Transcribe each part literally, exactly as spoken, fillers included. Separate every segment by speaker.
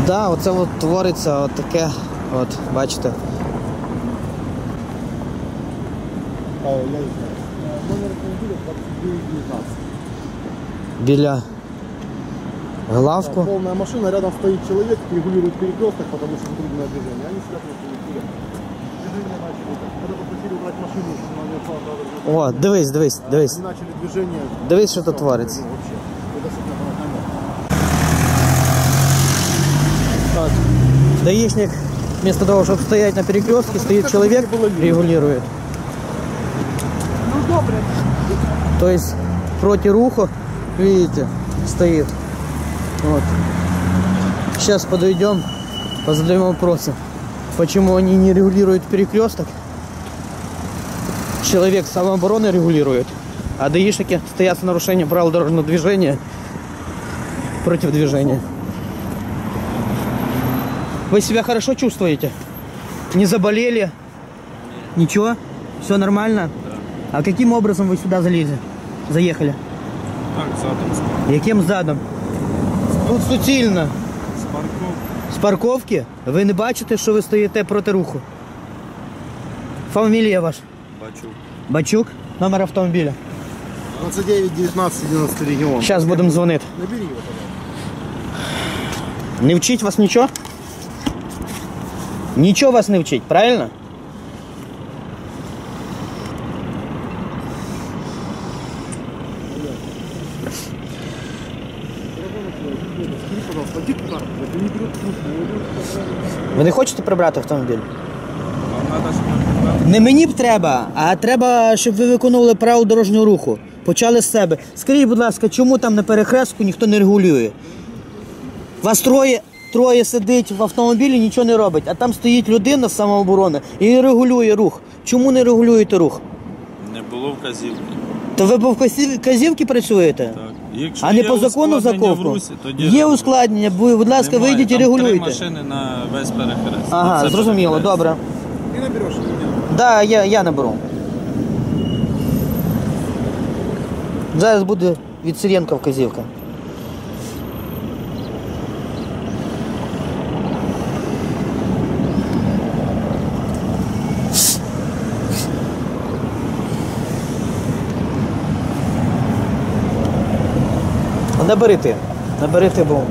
Speaker 1: Да, оце от твориться от таке, от, бачите. Біля главку.
Speaker 2: Полная машина, рядом стоит человек, регулирует перекресток, потому что трудное движение. Они сидят на перекрестке. Движение начали. Когда попросили убрать машину, чтобы она не ушла,
Speaker 1: О, дивись, дивись, дивись.
Speaker 2: они начали движение.
Speaker 1: Дивись, що тут твориться.
Speaker 2: Ну, вообще. Это что-то
Speaker 1: Вот. Даишник, вместо того, чтобы стоять на перекрестке, стоит человек, регулирует.
Speaker 2: Ну, добре.
Speaker 1: То есть против руха, видите, стоит. Вот. Сейчас подойдем, позадаем вопросы, почему они не регулируют перекресток. Человек самообороны регулирует, а даишники стоят с нарушением правил дорожного движения против движения. Вы себя хорошо чувствуете? Не заболели? Ничего? Все нормально? Да. А каким образом вы сюда залезли? Заехали?
Speaker 3: Так, задом.
Speaker 1: Яким задом? Тут суцільно.
Speaker 3: З парковки.
Speaker 1: З парковки? Ви не бачите, що ви стоїте проти руху? Фамілія ваша?
Speaker 3: Бачу.
Speaker 1: Бачук? Номер автомобіля?
Speaker 2: двадцать девять девятнадцать одиннадцать регион.
Speaker 1: Зараз будемо дзвонити.
Speaker 2: Набери его, пожалуйста.
Speaker 1: Не вчить вас нічого? Нічого вас не вчить, правильно? Ви не хочете прибрати автомобіль? Не мені б треба, а треба, щоб ви виконували правила дорожнього руху. Почали з себе. Скажіть, будь ласка, чому там на перехрестку ніхто не регулює? Вас троє, троє сидить в автомобілі, нічого не робить, а там стоїть людина з самооборони і регулює рух. Чому не регулюєте рух?
Speaker 3: Не було вказівки.
Speaker 1: То ви по вказівки працюєте?
Speaker 3: Так. Якщо
Speaker 1: А не
Speaker 3: є
Speaker 1: по закону
Speaker 3: ускладнення в
Speaker 1: заковку?
Speaker 3: русі, тоді
Speaker 1: Є
Speaker 3: регулюйте.
Speaker 1: ускладнення, будь ласка,
Speaker 3: Немає.
Speaker 1: вийдіть і
Speaker 3: Там
Speaker 1: регулюйте.
Speaker 3: три машини на весь перехрест.
Speaker 1: Ага,
Speaker 3: Це
Speaker 1: зрозуміло,
Speaker 3: перехрест.
Speaker 1: добре.
Speaker 2: Ты наберешь или нет?
Speaker 1: Да, я, я наберу. Зараз буде від Сиренка вказівка. Набери ти, набери ти, бо...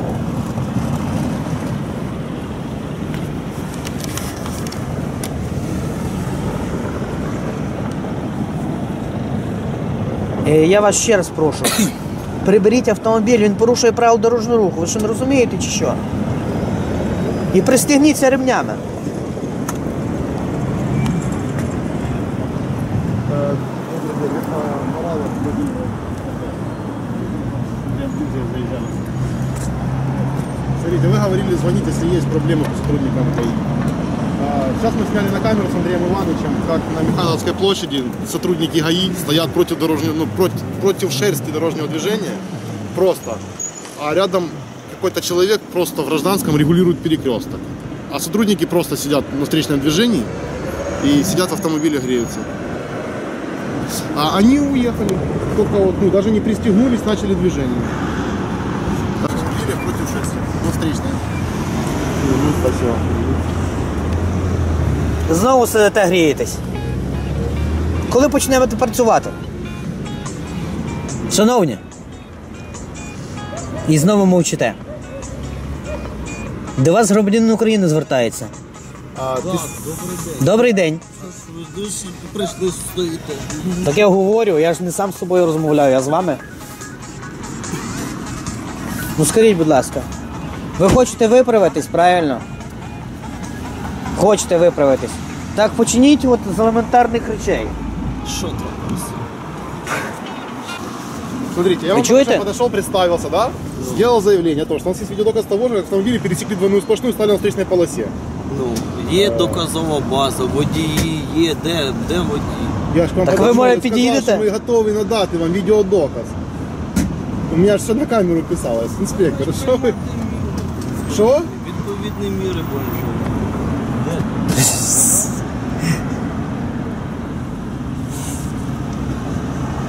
Speaker 1: Я вас ще раз прошу, приберіть автомобіль, він порушує правила дорожнього руху. Ви що, не розумієте чи що? І пристегніться ремнями.
Speaker 2: Смотрите, вы говорили, звонить, если есть проблемы с сотрудником ГАИ. Сейчас мы сняли на камеру с Андреем Ивановичем, как на Михайловской площади сотрудники ГАИ стоят против, дорожного, ну, против, против шерсти дорожного движения, просто. А рядом какой-то человек просто в гражданском регулирует перекресток. А сотрудники просто сидят на встречном движении и сидят в автомобиле, греются. А они уехали, только вот, ну, даже не пристегнулись, начали движение. Против шерсти, на встречной. Спасибо.
Speaker 1: Знову сидите, грієтесь. Коли почнете працювати? Шановні. І знову мовчите. До вас громадянин України звертається.
Speaker 2: А,
Speaker 3: Так,
Speaker 2: ти...
Speaker 3: добрий день.
Speaker 1: Добрий день.
Speaker 3: Прийшли стоїти.
Speaker 1: Так я говорю, я ж не сам з собою розмовляю, я з вами. Ну скажіть, будь ласка, ви хочете виправитись, правильно? Хочете виправитись. Так починіть от з елементарних речей.
Speaker 3: Що там?
Speaker 2: Смотрите, я
Speaker 1: Вы
Speaker 2: вам
Speaker 1: чё
Speaker 2: только
Speaker 1: это?
Speaker 2: что подошел, представился, да? Сделал заявление, то, что у нас есть видеодоказ того же, как автомобили пересекли двойную сплошную и стали на встречной полосе.
Speaker 4: Ну, є доказова база, водії є, де, де водії?
Speaker 2: Я ж к вам
Speaker 1: Так ви,
Speaker 2: подошел
Speaker 1: може,
Speaker 2: и сказал,
Speaker 1: під'їдете?
Speaker 2: що ми готові надати вам відеодоказ. У меня же все на камеру писалось, инспектор. Что вы? Что?
Speaker 4: Відповідні міри будемо.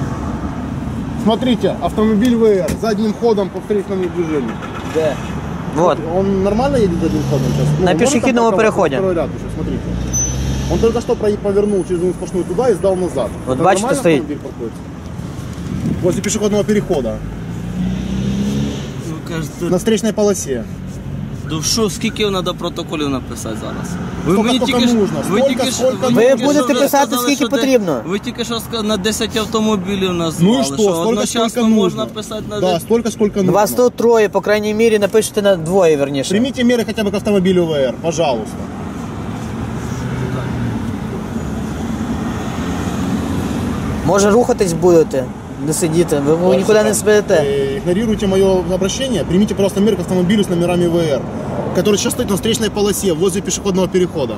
Speaker 2: Смотрите, автомобиль ВР задним ходом по встречному движению.
Speaker 1: Де? Вот.
Speaker 2: Он нормально едет задним ходом сейчас?
Speaker 1: На
Speaker 2: он может
Speaker 1: пешеходном
Speaker 2: там
Speaker 1: переходе.
Speaker 2: второй ряд еще, смотрите. Он только что про- повернул через одну сплошную туда и сдал назад.
Speaker 1: Вот
Speaker 2: Это
Speaker 1: бачите,
Speaker 2: нормально
Speaker 1: стоит.
Speaker 2: автомобиль паркуется? Возле пешеходного перехода.
Speaker 4: Ну, кажете,
Speaker 2: На встречной полосе.
Speaker 4: ну що, скільки треба протоколів написати зараз? Ви
Speaker 2: Скільки- скільки нужно?
Speaker 4: ви
Speaker 2: Скільки-
Speaker 4: тільки що-
Speaker 2: скільки
Speaker 4: ви
Speaker 1: Ви
Speaker 4: тільки
Speaker 1: будете
Speaker 4: що вже
Speaker 1: писати,
Speaker 4: сказали,
Speaker 1: скільки
Speaker 4: що де-
Speaker 1: потрібно.
Speaker 4: Ви тільки що сказали, на десять автомобілів
Speaker 2: Ну
Speaker 4: назвали,
Speaker 2: и что?
Speaker 4: що
Speaker 2: Столько,
Speaker 4: одночасно
Speaker 2: сколько
Speaker 4: можна
Speaker 2: нужно.
Speaker 4: писати на
Speaker 2: Да,
Speaker 4: десять.
Speaker 2: столько, сколько нужно.
Speaker 1: Вас тут троє, по крайній мірі, напишете на двоє, верніше.
Speaker 2: Примите меры хотя бы к автомобилю ВР, пожалуйста.
Speaker 1: Може рухатись будете, не сидіти, ви, ви нікуди не спите.
Speaker 2: Э, Игнорируйте мое обращение, примите просто меры к автомобилю с номерами ВР, который сейчас стоит на встречной полосе возле пешеходного перехода.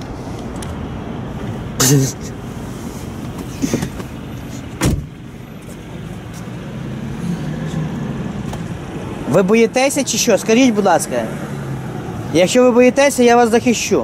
Speaker 1: Ви боїтеся чи що? Скажіть, будь ласка. Якщо ви боїтеся, я вас захищу.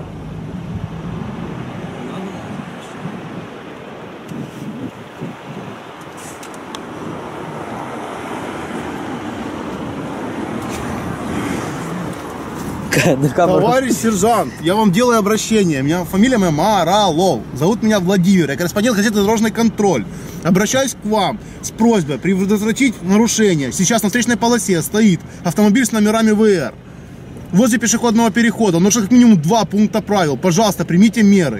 Speaker 1: На камеру.
Speaker 2: Товарищ сержант, я вам делаю обращение. Меня фамилия моя Маралов. Зовут меня Владимир. Я корреспондент газеты «Дорожный контроль». Обращаюсь к вам с просьбой предотвратить нарушение. Сейчас на встречной полосе стоит автомобиль с номерами ВР. Возле пешеходного перехода. Нужно как минимум два пункта правил. Пожалуйста, примите меры.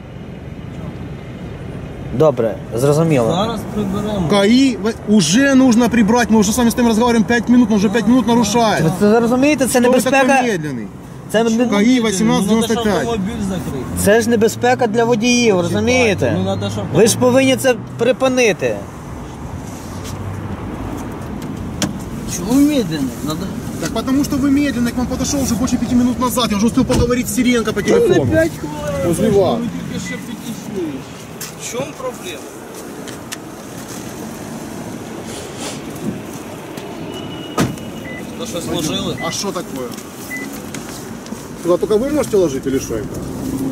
Speaker 1: Добре, зрозуміло.
Speaker 4: Зараз приберемо.
Speaker 2: КАИ уже нужно прибрать. Мы уже с вами с тобой разговариваем пять минут, но уже пять минут нарушает.
Speaker 1: Ви це розумієте, це
Speaker 2: Кто вы такой
Speaker 1: небезпека.
Speaker 2: медленный?
Speaker 1: Це, не-
Speaker 2: КАИ восемнадцать
Speaker 4: Ну, треба,
Speaker 2: девяносто
Speaker 4: щоб
Speaker 2: пять.
Speaker 4: автомобіль закрити.
Speaker 1: це ж небезпека для водіїв, розумієте?
Speaker 4: Ну, треба, щоб...
Speaker 1: Ви ж повинні це припинити.
Speaker 4: Чому медленно? Надо...
Speaker 2: Так потому что вы медленно, к вам подошел уже больше пяти минут назад. Я уже успел поговорить с Сиренко по телефону.
Speaker 4: п'ять хвилин.
Speaker 2: Возле вас.
Speaker 4: Ви тільки що підійшли. В чому проблема? То що сложили?
Speaker 2: А что такое? Туда только вы можете ложить или что это?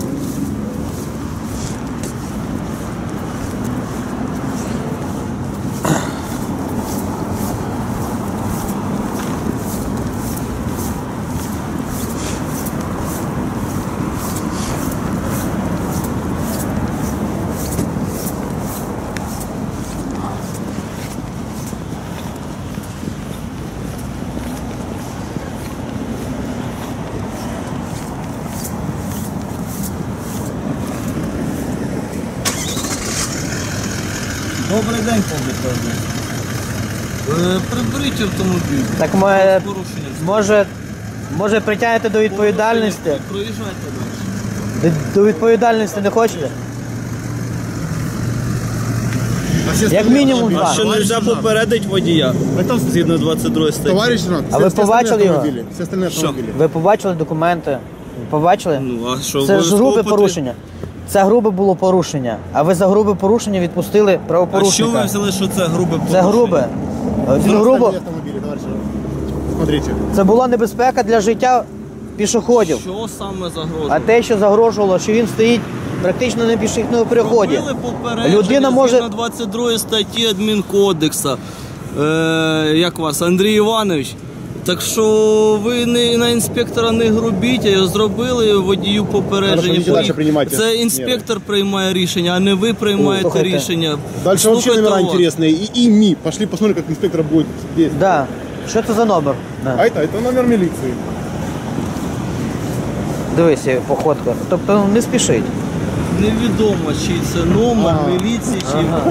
Speaker 4: Добрий день, пане. Приберіть автомобіль.
Speaker 1: Так ми,
Speaker 4: Порушення.
Speaker 1: може, може притягнете до відповідальності?
Speaker 4: Проїжджайте далі.
Speaker 1: До, до відповідальності не хочете?
Speaker 2: А все
Speaker 1: Як
Speaker 2: остальные
Speaker 1: мінімум
Speaker 2: автомобили?
Speaker 1: два.
Speaker 3: Що не можна попередити водія?
Speaker 2: Это
Speaker 3: Згідно двадцять другої статті.
Speaker 2: Товарищ Рад,
Speaker 1: А вы побачили его?
Speaker 2: Все остальные автомобили.
Speaker 1: Ви побачили документи? Побачили?
Speaker 3: Ну, а що,
Speaker 1: Це ж
Speaker 3: обов'язково
Speaker 1: грубе
Speaker 3: потрібно?
Speaker 1: порушення. Це грубе було порушення. А ви за грубе порушення відпустили
Speaker 3: А що ви
Speaker 1: правопорушника.
Speaker 3: взяли, що це грубе порушення?
Speaker 1: Це грубе. Він
Speaker 2: Все
Speaker 1: грубо.
Speaker 2: остальные автомобили, товарищ Рад. Смотрите.
Speaker 1: Це була небезпека для життя пішоходів.
Speaker 4: Що саме загрожує?
Speaker 1: А те, що загрожувало, що він стоїть практично на пішохідному переході.
Speaker 4: Робили попередження
Speaker 1: Людина може-
Speaker 4: згідно двадцять другої статті адмінкодексу. Е, як вас, Андрій Іванович? Так що ви не, на інспектора не грубіть, а зробили водію
Speaker 2: Хорошо,
Speaker 4: попередження.
Speaker 2: йдіть далі, приймайте
Speaker 4: Це інспектор приймає рішення, а не ви приймаєте
Speaker 1: Слухайте.
Speaker 4: рішення.
Speaker 2: Дальше вообще
Speaker 4: Слухайте
Speaker 2: номера
Speaker 4: вас.
Speaker 2: интересные. И ИМИ. Пошли посмотрим, как инспектор будет действовать.
Speaker 1: Да. Що це за номер? Да.
Speaker 2: А это, это номер милиции.
Speaker 1: Дивися, походка. Тобто не спішить.
Speaker 4: Невідомо, чи це номер
Speaker 2: Ага.
Speaker 4: міліції, чи